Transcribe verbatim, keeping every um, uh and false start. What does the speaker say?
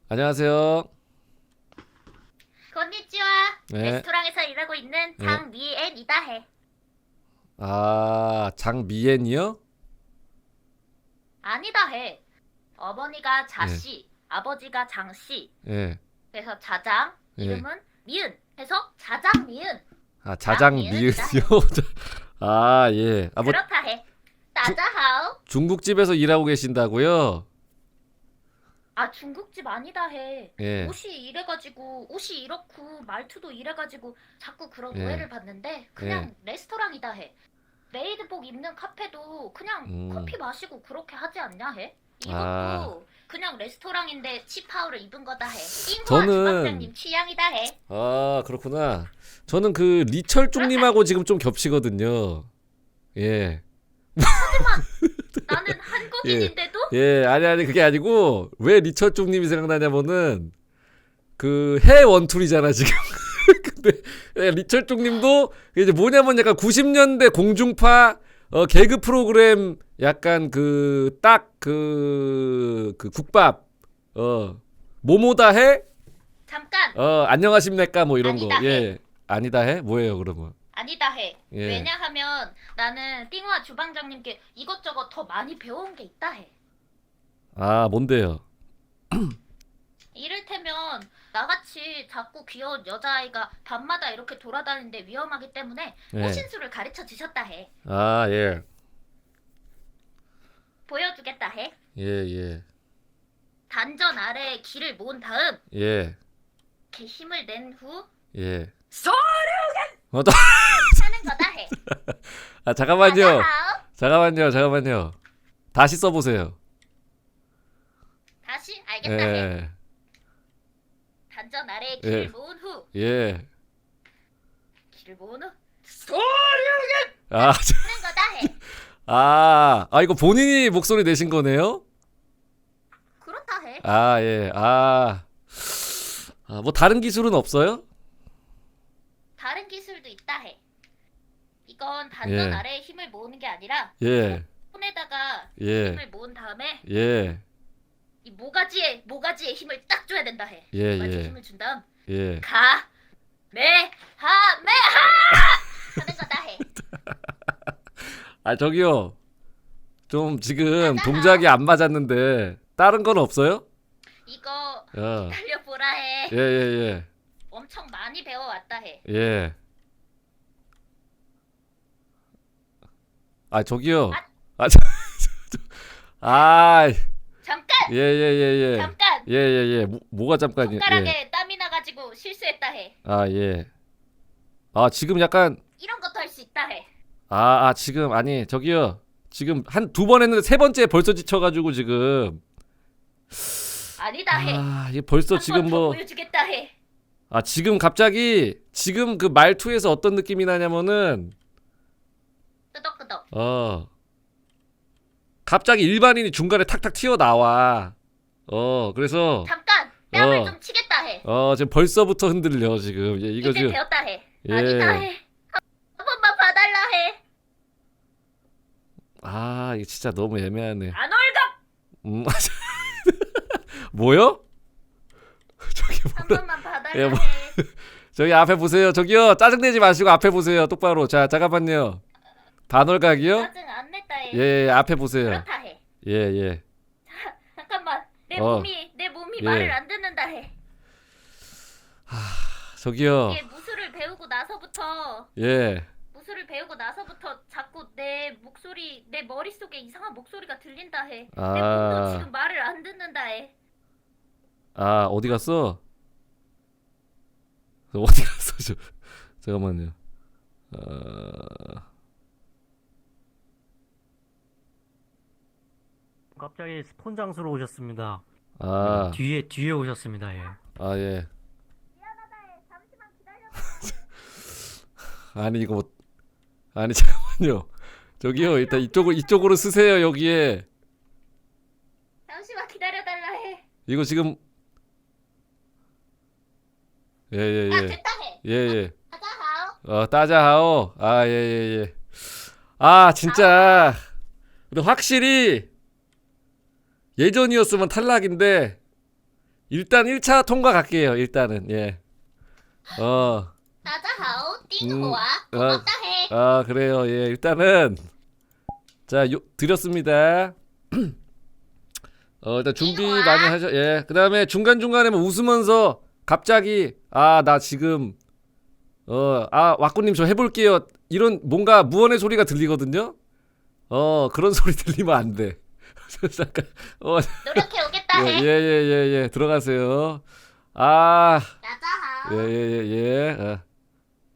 안녕하세요. 건니치와. 네. 레스토랑에서 일하고 있는 네. 장미엔이다 해. 아, 장미엔이요? 아니다 해. 어머니가 예, 자씨, 아버지가 장씨. 예, 그래서 자장, 예. 이름은 미은 해서 자장미은. 아, 자장미은이요? 장미은이다 해. 아, 예. 아, 뭐, 그렇다 해. 주, 따자하오. 중국집에서 일하고 계신다고요? 아, 중국집 아니다 해. 예, 옷이 이래가지고 옷이 이렇고 말투도 이래가지고 자꾸 그런 예, 오해를 받는데 예. 그냥 레스토랑이다 해. 메이드복 입는 카페도 그냥 음, 커피 마시고 그렇게 하지 않냐 해? 아, 이것도 그냥 레스토랑인데 치파오를 입은 거다 해. 잉후아 저는, 주방장님 취향이다 해. 아, 그렇구나. 저는 그 그렇다 해. 리철중님하고 지금 좀 겹치거든요. 예, 하지만 나는 예, 한국인인데도 예. 아니, 아니, 그게 아니고, 왜 리철중님이 생각나냐면은, 그, 해 원툴이잖아, 지금. 근데 예, 리철종님도 이제 뭐냐면 약간 구십 년대 공중파 어, 개그 프로그램 약간 그 딱 그 그 국밥 어 뭐뭐다 해? 잠깐 어 안녕하십니까 뭐 이런 거. 아니다 해. 예. 아니다 해? 뭐예요, 그러면? 아니다 해. 예. 왜냐하면 나는 띵화 주방장님께 이것저것 더 많이 배운 게 있다 해. 아, 뭔데요? 이를테면 나같이 자꾸 귀여운 여자아이가 밤마다 이렇게 돌아다니는데 위험하기 때문에 예. 호신술을 가르쳐 주셨다 해. 아, 예. 보여주겠다 해. 예, 예. 단전 아래에 기를 모은 다음 예. 이렇게 힘을 낸 후 예. 쏘 어, 또- 하는 거다 해. 아, 잠깐만요. 맞아. 잠깐만요. 잠깐만요. 다시 써 보세요. 다시 알겠다 해. 예. 단전 아래에 예. 기를 모은 후 예. 기를 모은 후 쏘 아, 하는 거다 해. 아, 아, 이거 본인이 목소리 내신 거네요? 그렇다 해. 아, 예, 아. 아, 뭐 다른 기술은 없어요? 다른 기술도 있다 해. 이건 단전 예, 아래에 힘을 모으는 게 아니라 예, 손에다가 예, 힘을 모은 다음에 예, 이 모가지에 모가지에 힘을 딱 줘야 된다 해. 예, 모가지에 예, 힘을 준 다음 예. 가, 매, 하, 매, 하 하는 거다 해. 아, 저기요. 좀 지금 맞아. 동작이 안 맞았는데, 다른 건 없어요? 이거 어, 달려보라 해. 예, 예, 엄청 많이 배워왔다 해. 예, 예. 아, 저기요. 아, 아, 저, 저, 아, 잠깐, 예, 예, 예, 예. 잠깐. 예, 예, 예. 뭐, 뭐가 잠깐이요? 예. 손가락에 땀이 나가지고 실수했다 해. 아, 예. 아, 지금 약간 이런 것도 할 수 있다 해. 아, 아, 지금 아니 저기요. 지금 한 두 번 했는데 세 번째 벌써 지쳐가지고 지금 아니다 해. 아 이게 벌써 한 지금 번 더 뭐 보여주겠다 해. 아 지금 갑자기 지금 그 말투에서 어떤 느낌이 나냐면은 끄덕끄덕. 어 갑자기 일반인이 중간에 탁탁 튀어나와. 어 그래서 잠깐, 뺨을 어 좀 치겠다 해. 어 지금 벌써부터 흔들려 지금. 예, 이거 이제 지금 배웠다 해. 예. 아니다 해. 한 번만 봐달라 해. 아 이거 진짜 너무 애매하네. 안 올갑. 음 뭐요? 저기 한 뭐라? 번만 봐달라 예, 뭐- 해. 저기 앞에 보세요. 저기요. 짜증내지 마시고 앞에 보세요. 똑바로. 자, 잠깐만요. 반월각이요? 짜증 안 냈다 해. 예, 예, 앞에 보세요. 그렇다 해. 예, 예. 잠깐만, 내 어. 몸이 내 몸이 예. 말을 안 듣는다 해. 저기요. 이게 무술을 배우고 나서부터 예. 무술을 배우고 나서부터 자꾸 내 목소리 내 머릿속에 이상한 목소리가 들린다 해. 내 아. 몸도 지금 말을 안 듣는다 해. 아, 어디 갔어? 어디 갔어? 저, 잠깐만요. 어... 갑자기 스폰 장소로 오셨습니다. 아, 뒤에 뒤에 오셨습니다. 예. 아, 예. 미안하다 해. 잠시만 기다려. 아니, 이거 뭐, 아니, 잠깐만요. 저기요. 일단 이쪽으로, 이쪽으로 쓰세요, 여기에. 잠시만 기다려달라 해. 이거 지금, 예, 예, 아 예. 됐다 해. 예, 예. 가자 하오. 어, 따자하오. 아, 예, 예, 예. 아, 진짜. 근데 확실히 예전이었으면 탈락인데 일단 일 차 통과 갈게요. 일단은 예. 어. 나자하오 음, 띵호와 어. 고맙다 해. 아 그래요. 예. 일단은 자 요, 드렸습니다. 어 일단 준비 이리 와. 많이 하죠. 예. 그다음에 중간 중간에 뭐 웃으면서 갑자기 아 나 지금 어 아 왁구님 저 해볼게요. 이런 뭔가 무언의 소리가 들리거든요. 어 그런 소리 들리면 안 돼. 잠깐. 어 노력해 오겠다 해. 예예예예 예, 예, 예. 들어가세요. 아 나자하오. 예 예 예 예. 어.